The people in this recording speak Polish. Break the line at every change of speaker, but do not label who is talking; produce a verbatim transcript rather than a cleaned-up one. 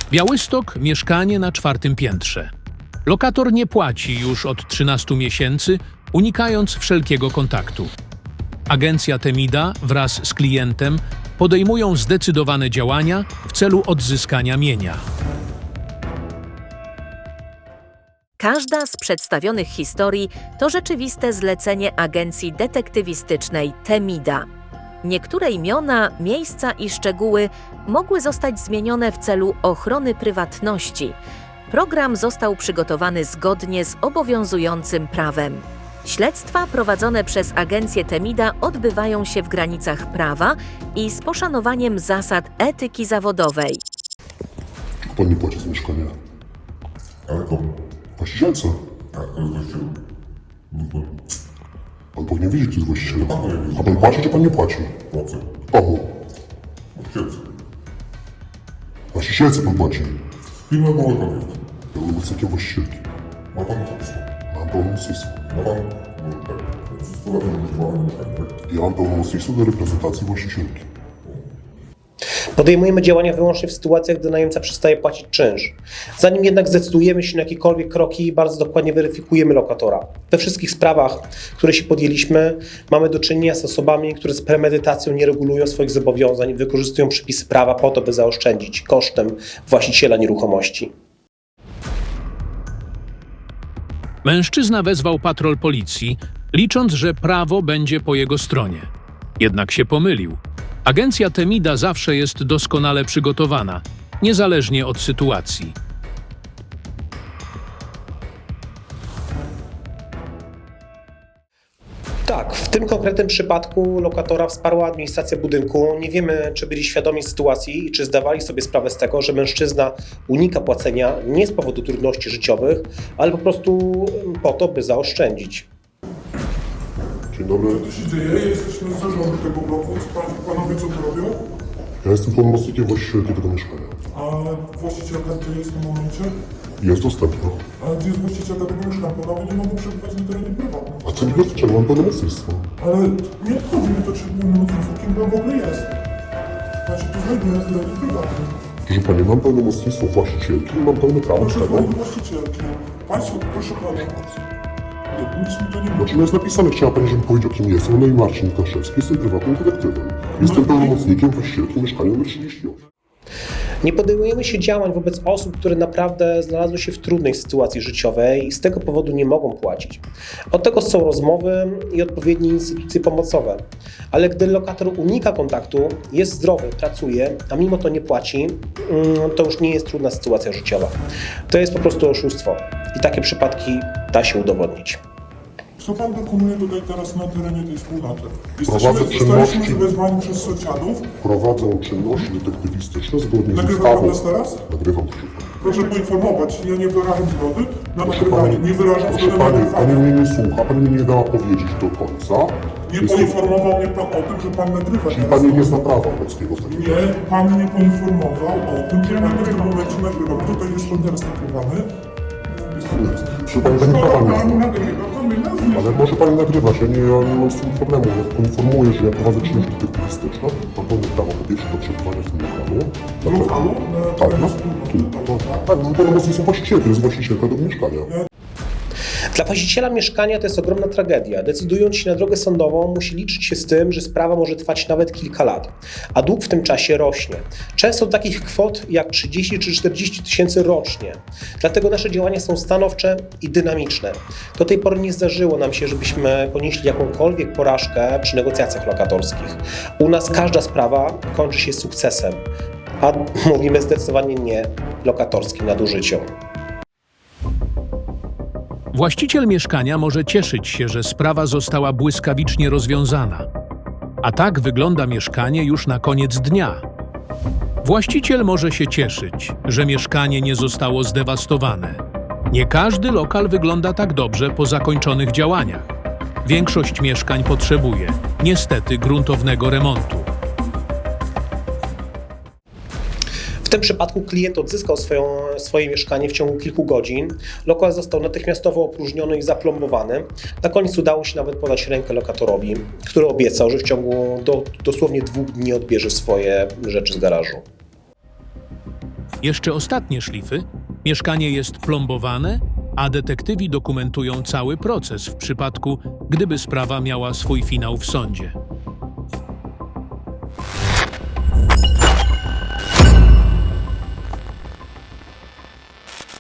Białystok, mieszkanie na czwartym piętrze. Lokator nie płaci już od trzynastu miesięcy, unikając wszelkiego kontaktu. Agencja Temida wraz z klientem podejmują zdecydowane działania w celu odzyskania mienia.
Każda z przedstawionych historii to rzeczywiste zlecenie agencji detektywistycznej Temida. Niektóre imiona, miejsca i szczegóły mogły zostać zmienione w celu ochrony prywatności. Program został przygotowany zgodnie z obowiązującym prawem. Śledztwa prowadzone przez agencję Temida odbywają się w granicach prawa i z poszanowaniem zasad etyki zawodowej.
Pan nie płaci za mieszkanie.
Ale komu?
Właścicielce.
Tak, to jest właściciel. No to
Pan powinien wiedzieć, kto jest właścicielem.
Pan powinien wiedzieć.
A pan płaci, czy pan nie płaci?
płacę.
Komu?
Właścicielce.
Właścicielce pan płaci.
Firma była pan jest.
Pełnomocnikiem właścicielki.
Ma pan kapitał.
Mam pełnomocnictwo.
Ma pan? No tak. Stosowanie używane mieszkanie, tak?
Ja mam pełnomocnictwo do reprezentacji właścicielki.
Podejmujemy działania wyłącznie w sytuacjach, gdy najemca przestaje płacić czynsz. Zanim jednak zdecydujemy się na jakiekolwiek kroki, bardzo dokładnie weryfikujemy lokatora. We wszystkich sprawach, które się podjęliśmy, mamy do czynienia z osobami, które z premedytacją nie regulują swoich zobowiązań i wykorzystują przepisy prawa po to, by zaoszczędzić kosztem właściciela nieruchomości.
Mężczyzna wezwał patrol policji, licząc, że prawo będzie po jego stronie. Jednak się pomylił. Agencja Temida zawsze jest doskonale przygotowana, niezależnie od sytuacji.
Tak, w tym konkretnym przypadku lokatora wsparła administracja budynku. Nie wiemy, czy byli świadomi sytuacji i czy zdawali sobie sprawę z tego, że mężczyzna unika płacenia nie z powodu trudności życiowych, ale po prostu po to, by zaoszczędzić.
Dzień dobry.
Co tu się dzieje? Jesteśmy z zarządu tego bloku. Co pan, panowie co tu robią?
Ja jestem pełnomocnikiem właścicielki tego mieszkania.
A właścicielka gdzie jest w tym momencie?
Jest dostępna.
A gdzie jest właścicielka tego mieszkania? Panowie nie mogą przebywać na terenie prywatnym.
A co mi dotyczy? Mam pełnomocnictwo.
Ale nie obchodzi mnie to, czy pełnomocnictwo, kim pan w ogóle jest. Znaczy, tu znajduję na terenie prywatnym.
Proszę pani, mam pełnomocnictwo właścicielki i mam pełne prawo
Proszę
tego.
pani właścicielki. Państwo, proszę pana. Nie, nic mi to nie mówi.
Znaczy jest napisane, chciała pani, żebym powiedział, kim jestem. No i Marcin Kaszewski, jestem prywatnym detektywem. Jestem
No i-
pełnomocnikiem właścicielki mieszkania numer trzydzieści osiem.
Nie podejmujemy się działań wobec osób, które naprawdę znalazły się w trudnej sytuacji życiowej i z tego powodu nie mogą płacić. Od tego są rozmowy i odpowiednie instytucje pomocowe. Ale gdy lokator unika kontaktu, jest zdrowy, pracuje, a mimo to nie płaci, to już nie jest trudna sytuacja życiowa. To jest po prostu oszustwo i takie przypadki da się udowodnić.
Co pan dokonuje tutaj teraz na terenie tej wspólnoty?
Prowadzę
Jesteśmy,
czynności-
zostaliśmy wezwani przez sąsiadów.
Prowadzą czynności detektywistyczne zgodnie z
Nagrywa pan
ustawą.
nas teraz?
Nagrywam, proszę pani.
Proszę poinformować, ja nie wyrażam zgody na
Proszę
nagrywanie.
pani,
Nie wyrażam
proszę
zgody na
pani, pani
nagrywanie.
mnie nie słucha, pani mnie nie dała powiedzieć do końca.
Nie
Jestem-
poinformował mnie pan o tym, że pan nagrywa
Czyli
teraz.
pani nie zna prawa polskiego w takim
Nie,
razie.
pan nie poinformował o tym, że pan w tym momencie nagrywa. Tutaj jest pan teraz nagrywany. Jest pan teraz nagrywany.
Proszę pani, pani prawa nie
Pan
zna.
nagrywa, to my nazwiemy.
Ale może pani nagrywać, ja nie, ja nie mam z tym problemu. Ja poinformuję, że ja prowadzę czynność detektywistyczną. Mam pełne prawo po pierwsze do przebywania w tym lokalu.
W lokalu? Na
Tak,
terenie
no,
wspólnoty.
tu. No, tak, no, pełnomocnictwo właścicielki, to jest właścicielka tego mieszkania.
Dla właściciela mieszkania to jest ogromna tragedia. Decydując się na drogę sądową, musi liczyć się z tym, że sprawa może trwać nawet kilka lat, a dług w tym czasie rośnie. Często do takich kwot jak trzydzieści czy czterdzieści tysięcy rocznie. Dlatego nasze działania są stanowcze i dynamiczne. Do tej pory nie zdarzyło nam się, żebyśmy ponieśli jakąkolwiek porażkę przy negocjacjach lokatorskich. U nas każda sprawa kończy się sukcesem, a mówimy zdecydowanie nie lokatorskim nadużyciom.
Właściciel mieszkania może cieszyć się, że sprawa została błyskawicznie rozwiązana. A tak wygląda mieszkanie już na koniec dnia. Właściciel może się cieszyć, że mieszkanie nie zostało zdewastowane. Nie każdy lokal wygląda tak dobrze po zakończonych działaniach. Większość mieszkań potrzebuje, niestety, gruntownego remontu.
W tym przypadku klient odzyskał swoją, swoje mieszkanie w ciągu kilku godzin. Lokal został natychmiastowo opróżniony i zaplombowany. Na koniec udało się nawet podać rękę lokatorowi, który obiecał, że w ciągu do, dosłownie dwóch dni odbierze swoje rzeczy z garażu.
Jeszcze ostatnie szlify. Mieszkanie jest plombowane, a detektywi dokumentują cały proces w przypadku, gdyby sprawa miała swój finał w sądzie.